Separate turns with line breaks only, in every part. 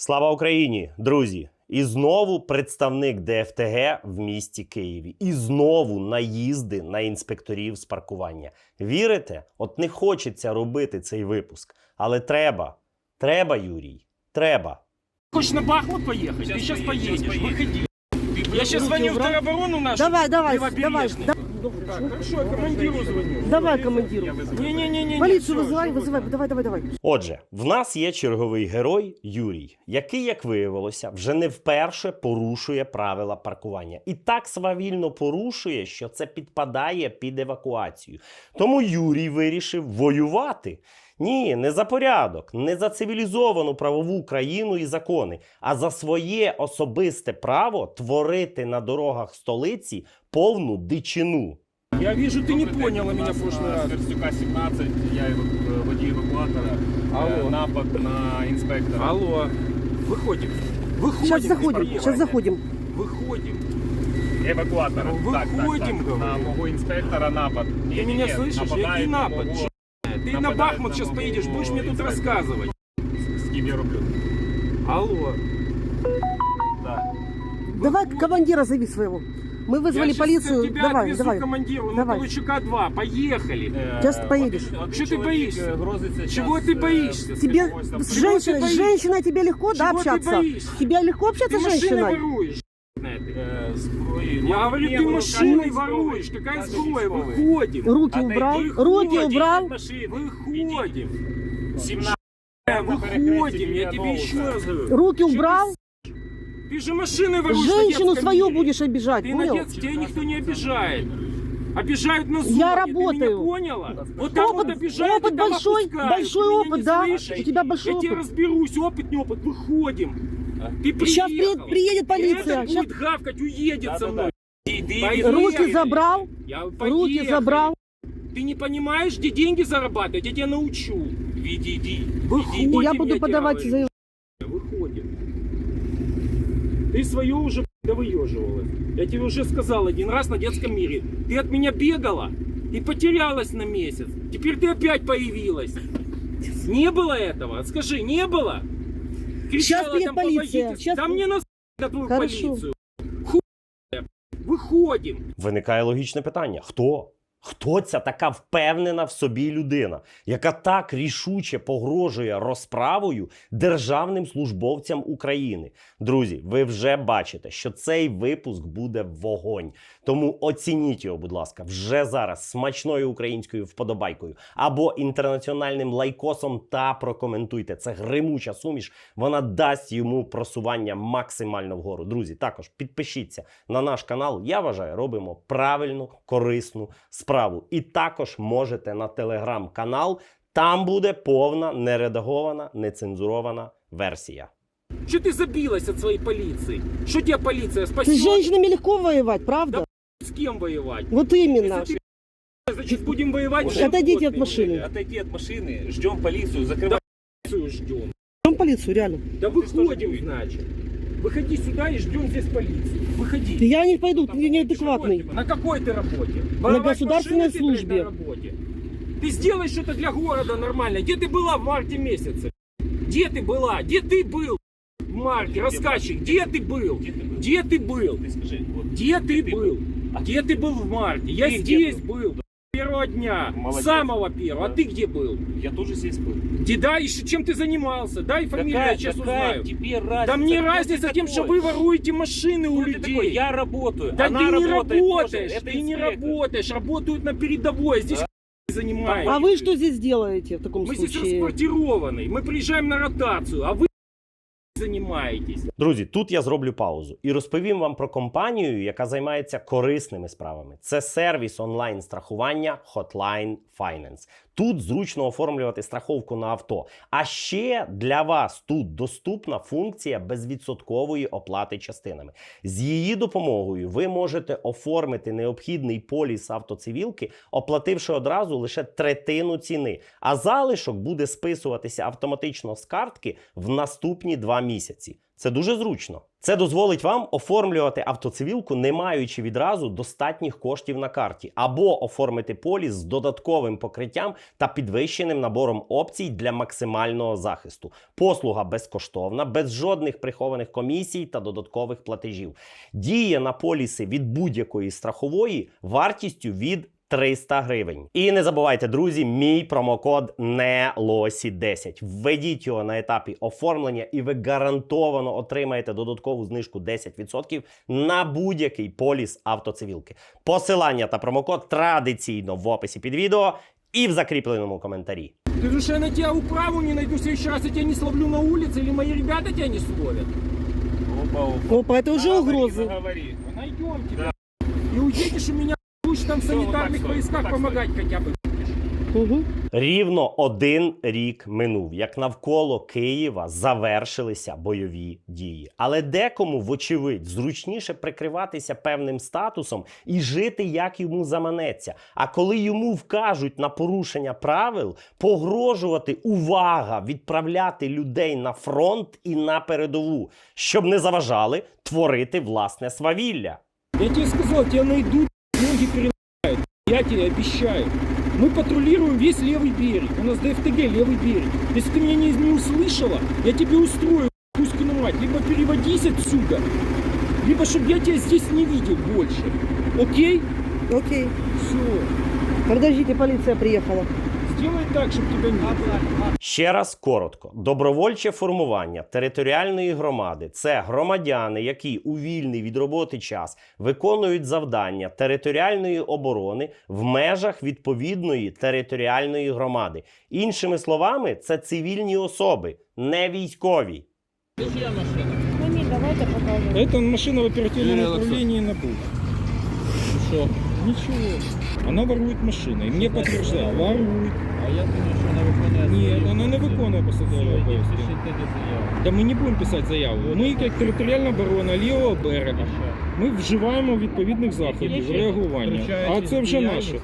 Слава Україні, друзі! І знову представник ДФТГ в місті Києві. І знову наїзди на інспекторів з паркування. Вірите? От не хочеться робити цей випуск. Але треба. Треба, Юрій. Треба.
Хочешь на Бахмут поехать? Ты сейчас поедешь. Выходи. Я сейчас звоню в тероборону нашу.
Давай.
Хорошо, я командиру звоню.
Давай командиру.
Не-не-не.
Полицию вызывай. Давай.
Отже, в нас є черговий герой Юрій, який, як виявилося, вже не вперше порушує правила паркування. І так свавільно порушує, що це підпадає під евакуацію. Тому Юрій вирішив воювати. Ні, не за порядок, не за цивілізовану правову країну і закони, а за своє особисте право творити на дорогах столиці повну дичину.
Я вижу, ты не поняла меня в прошлый раз.
Верстюка 17, я водій евакуатора.
Алло.
Напад на інспектора.
Алло. Выходим.
Сейчас заходим.
Выходим.
Евакуатора.
Ну, виходім,
так.
говорю.
На мого інспектора напад.
Ты меня слышишь? Який напад? Ты на Бахмут сейчас поедешь, будешь мне тут рассказывать.
З ким я роблю?
Алло.
Так.
Давай командира зови своего. Мы вызвали
Я
полицию.
Тебя
Давай.
отвезу командиру, на
Давай.
Толочука 2. Поехали.
Сейчас поедешь.
Что ты боишься?
Грозиться
Чего ты боишься?
Тебе с женщиной тебе легко, да,
Чего ты
общаться?
боишься?
Тебе легко общаться
Ты
с
машины
женщиной?
воруешь.
зброї.
Я говорю, ты машиной воруешь. Какая сброя? Выходим.
Руки убрал. Руки убрал.
Выходим.
17.
Выходим. Я тебе еще раз говорю.
Руки убрал.
Ты же машиной воруешь.
Женщину свою будешь обижать,
Ты на
понял?
детстве, тебя никто не обижает. Обижают на зоне.
Я
Ты
работаю.
меня поняла? Вот там вот обижают,
Опыт
и там
большой,
опускают.
большой
Ты меня
опыт,
не
да?
слышишь?
У тебя большой
Я тебе
опыт.
разберусь, опыт, не опыт. Выходим. Ты приехал.
Сейчас приедет полиция.
Это
Щас-
будет гавкать, уедет со мной.
Руки забрал.
Я
Руки
поехали.
забрал.
Ты не понимаешь, где деньги зарабатывать? Я тебя научу.
Відійди.
Выходим,
Я буду
тебе
подавать
говорю.
заявление.
Выходим. Ты свое уже довыеживалась. Я тебе уже сказал один раз на детском мире. Ты от меня бегала и потерялась на месяц. Теперь ты опять появилась. Не было этого? Скажи, не было?
Сейчас приедет
там,
полиция.
помогите.
Сейчас-
Да мне на твою
Хорошо.
полицию. Хуя. Выходим.
Виникає логічне питання. Хто? Хто ця така впевнена в собі людина, яка так рішуче погрожує розправою державним службовцям України? Друзі, ви вже бачите, що цей випуск буде вогонь. Тому оцініть його, будь ласка, вже зараз смачною українською вподобайкою або інтернаціональним лайкосом та прокоментуйте. Це гримуча суміш, вона дасть йому просування максимально вгору. Друзі, також підпишіться на наш канал. Я вважаю, робимо правильну, корисну справу. І також можете на телеграм-канал, там буде повна, нередагована, нецензурована версія.
Что ты забилась от своей полиции? Что тебе полиция
С
спасет?
женщинами легко воевать, правда?
С кем воевать?
Вот именно.
Если ты, значит, будем воевать.
Отойдите от
животными.
машины.
Отойди від машини, ждем поліцію, закривай.
Полицию ждем.
Ждем полицию, реально.
Да выходим, значит. Выходи сюда и ждем здесь полицию. Выходи.
Я не пойду, ты неадекватный.
На какой ты работе?
На государственной
машины ты, блядь,
службе.
на работе? Ты сделай что-то для города нормально. Где ты была в марте месяце? Где ты была? Где ты был? В марте, рассказчик, где ты был? Где ты был?
Ти скажи, от,
Где ты был? Где ты был в марте? Я
Ты где
здесь был. Первого дня,
Молодец.
самого первого.
Да.
А ты где был?
я теж здесь был.
Где, да, еще чем ты занимался? Дай фамилию, я сейчас узнаю.
тебе разница?
Да мне
Кто
разница
ты
тем, что
такой?
вы воруете машины у
Кто ты такой?
людей.
Я работаю.
Да
Она
ты не
работает
работаешь,
тоже. Это
ты не
инспектор.
работаешь, работают на передовой, а здесь занимаетесь.
А вы что здесь делаете в таком
Мы здесь
случае?
расквартированы, мы приезжаем на ротацию, а вы занимаетесь.
Друзі, тут я зроблю паузу і розповім вам про компанію, яка займається корисними справами. Це сервіс онлайн-страхування Hotline Finance. Тут зручно оформлювати страховку на авто. А ще для вас тут доступна функція безвідсоткової оплати частинами. З її допомогою ви можете оформити необхідний поліс автоцивілки, оплативши одразу лише третину ціни. А залишок буде списуватися автоматично з картки в наступні 2 місяці. місяці. Це дуже зручно. Це дозволить вам оформлювати автоцивілку, не маючи відразу достатніх коштів на карті, або оформити поліс з додатковим покриттям та підвищеним набором опцій для максимального захисту. Послуга безкоштовна, без жодних прихованих комісій та додаткових платежів. Діє на поліси від будь-якої страхової вартістю від 300 гривень. І не забувайте, друзі, мій промокод NELOSI10. Введіть його на етапі оформлення і ви гарантовано отримаєте додаткову знижку 10% на будь-який поліс автоцивілки. Посилання та промокод традиційно в описі під відео і в закріпленому коментарі.
Ты думаешь, я на тебя управу не найду, в следующий раз я тебя не словлю на улице, или мои ребята тебя не словят?
Опа, это уже угрозы.
Говори.
Найдемте. И уедешь у меня, будешь там в
Всё, вот так
санитарных
стоит,
войсках
вот так
помогать хотя бы.
Угу.
Рівно 1 рік минув, як навколо Києва завершилися бойові дії. Але декому, вочевидь, зручніше прикриватися певним статусом і жити, як йому заманеться. А коли йому вкажуть на порушення правил, погрожувати, увага, відправляти людей на фронт і на передову, щоб не заважали творити власне свавілля.
Я тебе сказал, тебя найдут, ноги переломают. Я тебе обещаю. Мы патрулируем весь левый берег. У нас ДФТГ левый берег. Если ты меня не услышала, я тебе устрою, Кузькину мать. Либо переводись отсюда, либо чтобы я тебя здесь не видел больше. Окей?
Окей.
Все.
Подождите, полиция приехала.
Сделай так, чтобы тебя не было.
Ще раз коротко. Добровольче формування територіальної громади – це громадяни, які у вільний від роботи час виконують завдання територіальної оборони в межах відповідної територіальної громади. Іншими словами, це цивільні особи, не військові.
Ну ні, давайте покажемо.
Это машина в оперативном управлении НАБУ. Что? Ничего. Она ворует машины. И мне подтверждают. Ворует.
А я думаю, що вона виконує.
Нет, она не виконує посадові обов'язки.
Пишіть тоді заяву.
Да мы не будем писати заяву. Ми, як територіальна оборона лівого берега, ми вживаємо відповідних заходів реагування. А це вже наше.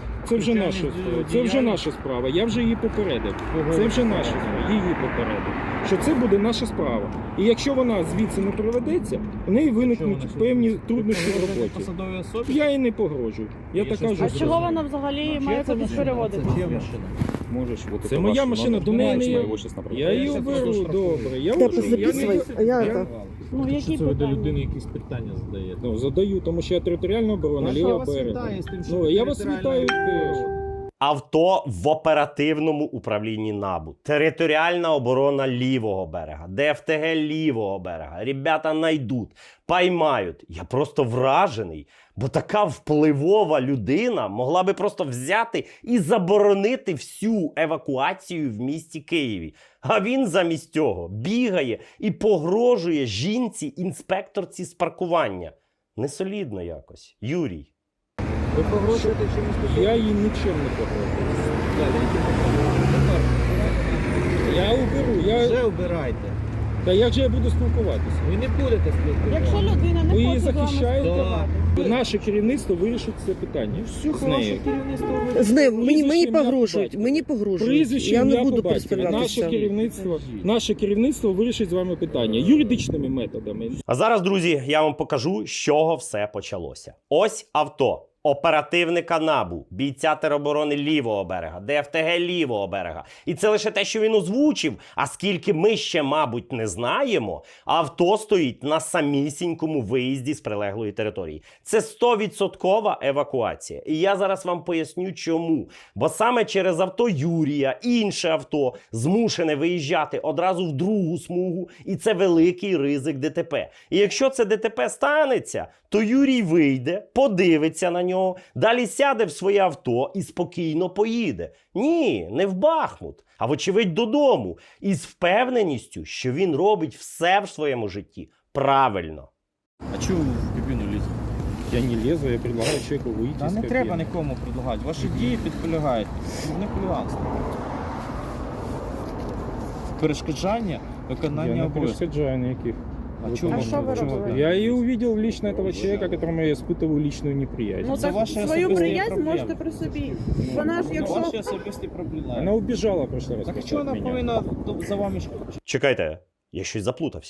Це вже наша справа. Я вже її попередив. Це вже наша справа. Її попередив. Що це буде наша справа. І якщо вона звідси не проведеться, в неї виникнуть певні труднощі в роботі.
Посадовій особі?
Я їй не погрожую. Я так кажу.
А чого вона взагалі має кудись переводити?
Можеш, це моя машина, до неї не є. Я її оберу, добре. Я
Да,
вожу,
записывай. А я это...
Ну, які
Це ви до
питання?
людини якісь питання задаєте.
Ну, задаю, тому що я територіальна оборона, ліва берега. Ну, я вас вітаю теж.
Авто в оперативному управлінні НАБУ. Територіальна оборона лівого берега. ДФТГ лівого берега. Ребята найдуть, поймають. Я просто вражений. Бо така впливова людина могла би просто взяти і заборонити всю евакуацію в місті Києві. А він замість цього бігає і погрожує жінці-інспекторці з паркування. Несолідно якось. Юрій.
Ви погрожуєте чимось?
Я їй нічим не погрожую. Я уберу.
Вже обирайте.
Та як же я буду спілкуватися?
Ви не будете спілкуватися.
Якщо людина не
Ви її
хоче з вами
захищаєте?
спілкуватися.
Наше керівництво вирішить це питання. Все
Ваше керівництво ви...
Знаю, мені
Прізвище, ім'я,
погрожують,
батько.
мені погрожують.
Прізвище,
Я не
ім'я,
буду
по батькові.
представлятися.
Наше керівництво вирішить з вами питання юридичними методами.
А зараз, друзі, я вам покажу, з чого все почалося. Ось авто оперативника НАБУ, бійця тероборони лівого берега, ДФТГ лівого берега. І це лише те, що він озвучив, а скільки ми ще, мабуть, не знаємо, авто стоїть на самісінькому виїзді з прилеглої території. Це 100% евакуація. І я зараз вам поясню, чому. Бо саме через авто Юрія інше авто змушене виїжджати одразу в другу смугу, і це великий ризик ДТП. І якщо це ДТП станеться, то Юрій вийде, подивиться на нього, далі сяде в своє авто і спокійно поїде. Ні, не в Бахмут, а вочевидь додому. Із впевненістю, що він робить все в своєму житті правильно.
А чому ви в кабіну лізете?
Я не лезу, я предлагаю человеку выйти
Та
из
не
кабины.
треба нікому предлагати. Ваші дії підполягають. Не хуліганство. Перешкоджання виконання
Я не
обов'язків.
перешкоджаю никаких.
А чому?
А що ви робили?
Я и увидел лично этого человека, которому я испытываю личную неприязнь.
Ну
Це
так
ваші
свою
особисті
приязнь
проблеми.
можете при собі. Вона ж, якщо...
Ваші особисті проблеми.
Она убежала в прошлый раз.
Так
просто
чого
от
вона
меня.
повинна за вами
Чекайте, я щось заплутався.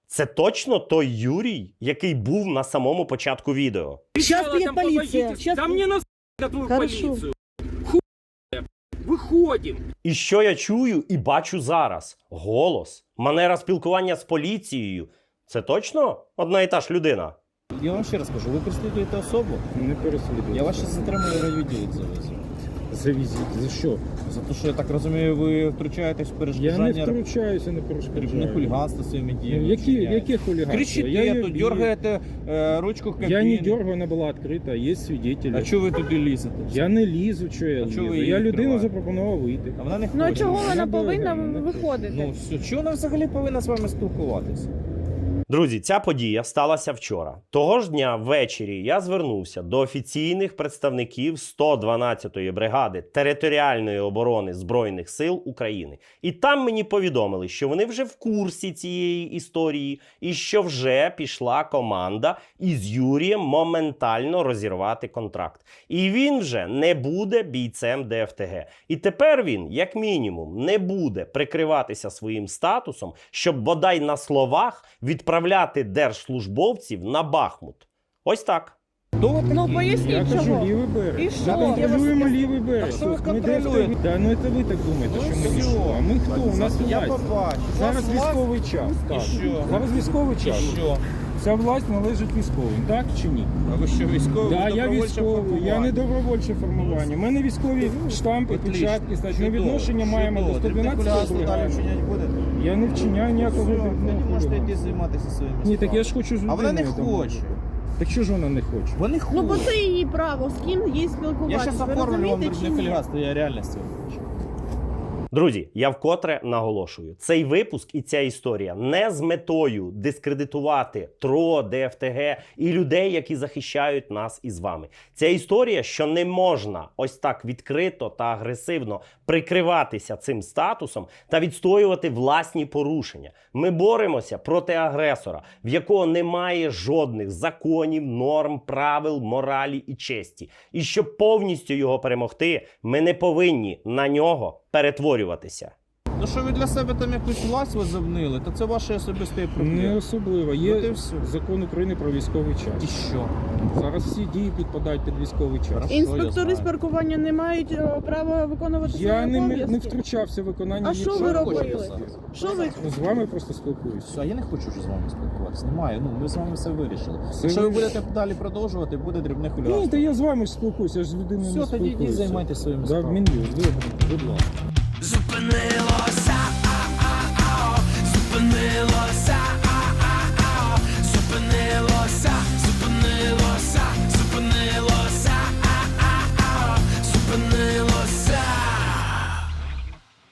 Це точно той Юрій, який був на самому початку відео.
Сейчас
Кричала
приедет
там,
полиция.
помогите.
Сейчас...
Да мне на на твою
Хорошо.
полицию. Хуй. Выходим.
І що я чую і бачу зараз? Голос, манера спілкування з поліцією. Це точно одна і та ж людина?
Я вам ще раз кажу, ви переслідуєте особу,
Не переслідуйте.
я вас ще затримую райвідділок завезу.
Завезіть. За що?
За те, що я так розумію, ви втручаєтесь в
Я не
перешкоджання
втручаюся, не
дрібне
перешкоджаю.
хуліганство своїми діями.
Яке хулиганство?
Кричите, тут дергаєте ручку кабіни.
Я не дергаю, вона була відкрита, є свідетелі.
А чого ви туди лізете?
Я не лізу, що я
А чого ви
лізу.
її
Я людину
відкриваєте?
запропонував вийти.
А вона не
Ну а
хоче.
чого вона
Вона
повинна
не
виходити?
Ну все, чого вона взагалі повинна з вами спілкуватися?
Друзі, ця подія сталася вчора. Того ж дня ввечері я звернувся до офіційних представників 112-ї бригади територіальної оборони Збройних сил України. І там мені повідомили, що вони вже в курсі цієї історії і що вже пішла команда із Юрієм моментально розірвати контракт. І він вже не буде бійцем ДФТГ. І тепер він, як мінімум, не буде прикриватися своїм статусом, щоб бодай на словах відправляти держслужбовців на Бахмут. Ось так.
Хто ви такі?
Ну
Я
поясніть
кажу,
чого.
лівий берег.
І що?
Ми контролюємо лівий берег.
Так що ви
Тут не
контролюєте?
ДФТГ. Да, ну це ви так думаєте,
Ну
що ми
все.
нічого. А ми хто? У нас
Я
власть.
побачу.
Зараз
У вас
військовий час.
І
Так.
що?
Зараз військовий
І
час.
що?
Ця власть належить військовим, так чи ні?
А ви що, військовий?
Так,
Ви
я
добровольче
військовий, я не
формування?
добровольче формування. У мене військові штампи,
Отлично.
печатки, значить, ми
Чудово,
відношення маємо до
чудово. Дрібне
112
хуліганство далі
бригади.
вчиняти будете?
Я не вчиняю ніякого
Все,
дрібного
тоді можете
хуліганства.
йти займатися своїми
Ні, так я ж
справами.
хочу з
А вона не
людиною там
хоче.
бути. Так що ж вона не хоче?
Вони
Ну бо
хочуть.
це її право, з ким їй
Я
спілкуватися.
зараз
Ви
оформлю вам
розумієте
дрібне
чи ні?
хуліганство, я реально з цього хочу.
Друзі, я вкотре наголошую, цей випуск і ця історія не з метою дискредитувати ТРО, ДФТГ і людей, які захищають нас із вами. Ця історія, що не можна ось так відкрито та агресивно прикриватися цим статусом та відстоювати власні порушення. Ми боремося проти агресора, в якого немає жодних законів, норм, правил, моралі і честі. І щоб повністю його перемогти, ми не повинні на нього перетворюватися.
Ну що ви для себе там якусь власть возобнили, то це ваші особисті
Не
проблеми.
особливо.
От і
Є
все.
закон України про військовий
І
час.
що?
Зараз всі дії підпадають під військовий час.
Хорошо. я
Інспектори з
знаю.
паркування не мають права виконувати
Я
свої
не
обов'язки?
втручався в виконання
А
їх
що ви
прав.
робили?
хочете зараз?
Що ви?
Ну, з вами просто спілкуюся.
Все, я не хочу вже з вами спілкуватися. Немає. Ну, ми з вами все вирішили.
Все
Якщо ви
вирішили.
будете далі продовжувати, буде дрібне
Ні,
хуліганство.
та я з вами ж спілкуюся, я ж з людиною не
Все, тоді
спілкуюся.
йдіть займайтеся своїми
Да,
справами.
Мін'юст, добре, будь ласка.
Зупинила